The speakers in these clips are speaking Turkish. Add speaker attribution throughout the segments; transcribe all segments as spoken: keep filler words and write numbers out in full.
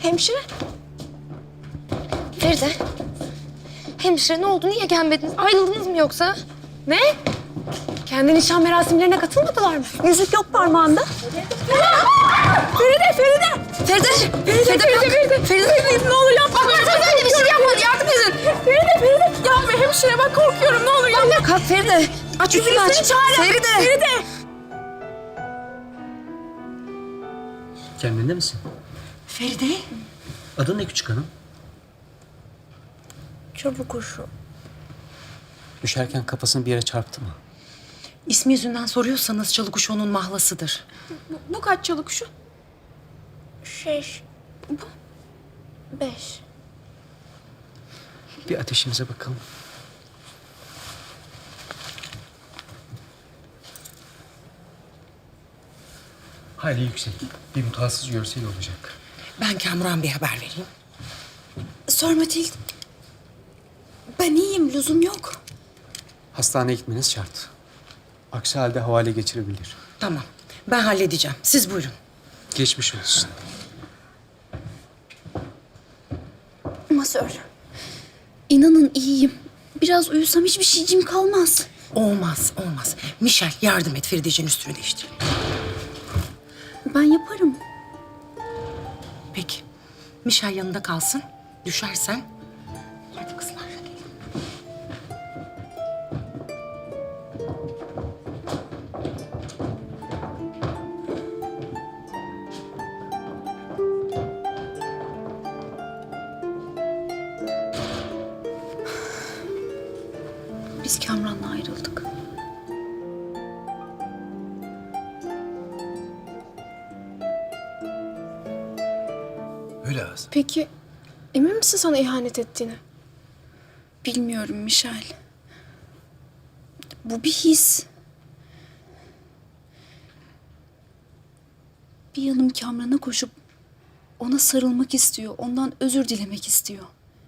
Speaker 1: Hemşire. Feride. Hemşire ne oldu? Niye gelmediniz? Ayrıldınız mı yoksa? Ne? Kendi nişan merasimlerine katılmadılar mı?
Speaker 2: Yüzük yok parmağında.
Speaker 1: Feride, Feride! Feride! Feride, Feride, Feride! Feride, Feride, ne olur yapma! Bak, Feride öyle bir şey yapmadı, yardım edin! Feride, Feride! Yapma hemşire, bak korkuyorum, ne olur yapma! Kalk Feride! Aç yüzünü aç! Feride! Feride!
Speaker 3: Kendinde misin?
Speaker 2: Feride.
Speaker 3: Adın ne küçük hanım?
Speaker 1: Çabuk kuşu.
Speaker 3: Düşerken kafasını bir yere çarptı mı?
Speaker 2: İsmi yüzünden soruyorsanız Çalıkuş onun mahlasıdır.
Speaker 1: Bu, bu kaç çalı kuşu? Şeş. Bu? Beş.
Speaker 3: Bir ateşinize bakalım. Hayli yüksek. Bir mutasız görsel olacak.
Speaker 2: Ben Kamuran Bey'e haber vereyim. Sor Matilde. Ben iyiyim, lüzum yok.
Speaker 3: Hastaneye gitmeniz şart. Aksi halde havale geçirebilir.
Speaker 2: Tamam, ben halledeceğim. Siz buyurun.
Speaker 3: Geçmiş olsun.
Speaker 4: Masör. İnanın iyiyim. Biraz uyusam hiçbir şeycim kalmaz.
Speaker 2: Olmaz, olmaz. Michel yardım et Ferideciğin üstünü değiştir.
Speaker 4: Ben yaparım.
Speaker 2: Peki. Michel yanında kalsın. Düşersen. Hadi kızlar.
Speaker 4: Biz Kamran'la ayrıldık.
Speaker 3: Öyle az.
Speaker 1: Peki, emin misin sana ihanet ettiğini?
Speaker 4: Bilmiyorum Michel. Bu bir his. Bir yanım Kamran'a koşup ona sarılmak istiyor. Ondan özür dilemek istiyor.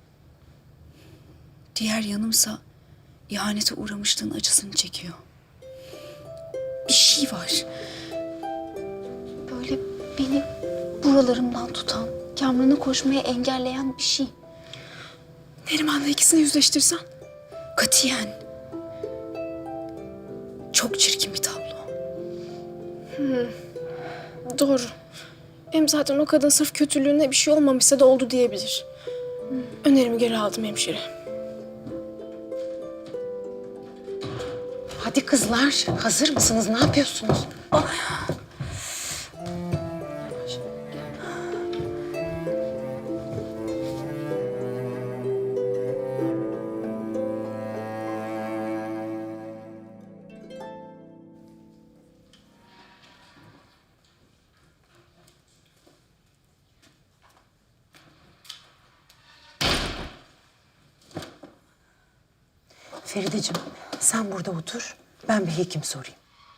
Speaker 4: Diğer yanımsa ihanete uğramışlığın acısını çekiyor. Bir şey var. Böyle beni buralarımdan tutan, Kamran'a koşmaya engelleyen bir şey.
Speaker 1: Neriman'la ikisini yüzleştirsen.
Speaker 4: Katiyen. Çok çirkin bir tablo.
Speaker 1: Doğru. Hem zaten o kadın sırf kötülüğüne bir şey olmamışsa da oldu diyebilir. Önerimi geri aldım hemşire.
Speaker 2: Hadi kızlar, hazır mısınız? Ne yapıyorsunuz? Ferideciğim, sen burada otur. Ben bir hekim sorayım.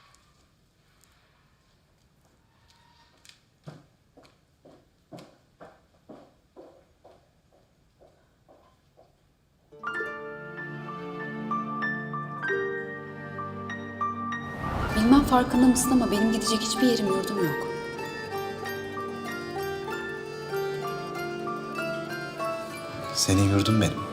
Speaker 4: Bilmem farkında mısın ama benim gidecek hiçbir yerim yurdum yok.
Speaker 5: Senin yurdun benim.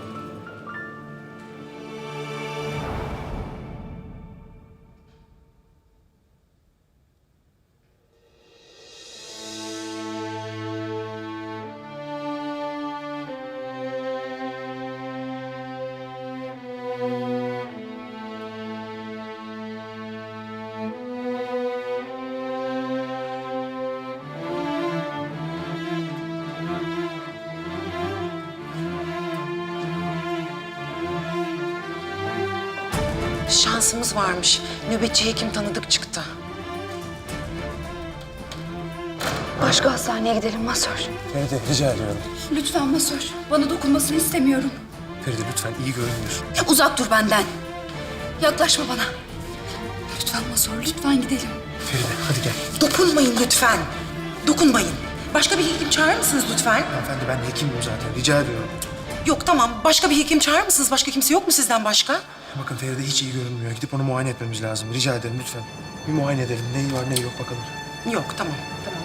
Speaker 2: Şansımız varmış. Nöbetçi hekim tanıdık çıktı.
Speaker 4: Başka hastaneye gidelim Masör.
Speaker 3: Feride rica ediyorum.
Speaker 4: Lütfen Masör. Bana dokunmasını istemiyorum.
Speaker 3: Feride lütfen iyi görünmüyor.
Speaker 4: Uzak dur benden. Yaklaşma bana. Lütfen Masör, lütfen gidelim.
Speaker 3: Feride hadi gel.
Speaker 2: Dokunmayın lütfen. Dokunmayın. Başka bir hekim çağırır mısınız lütfen?
Speaker 6: Hanımefendi ben hekimim zaten. Rica ediyorum.
Speaker 2: Yok tamam. Başka bir hekim çağırır mısınız? Başka kimse yok mu sizden başka?
Speaker 6: Bakın Feride hiç iyi görünmüyor. Gidip onu muayene etmemiz lazım. Rica ederim lütfen. Bir muayene edelim. Neyi var neyi yok bakalım.
Speaker 2: Yok tamam. Tamam.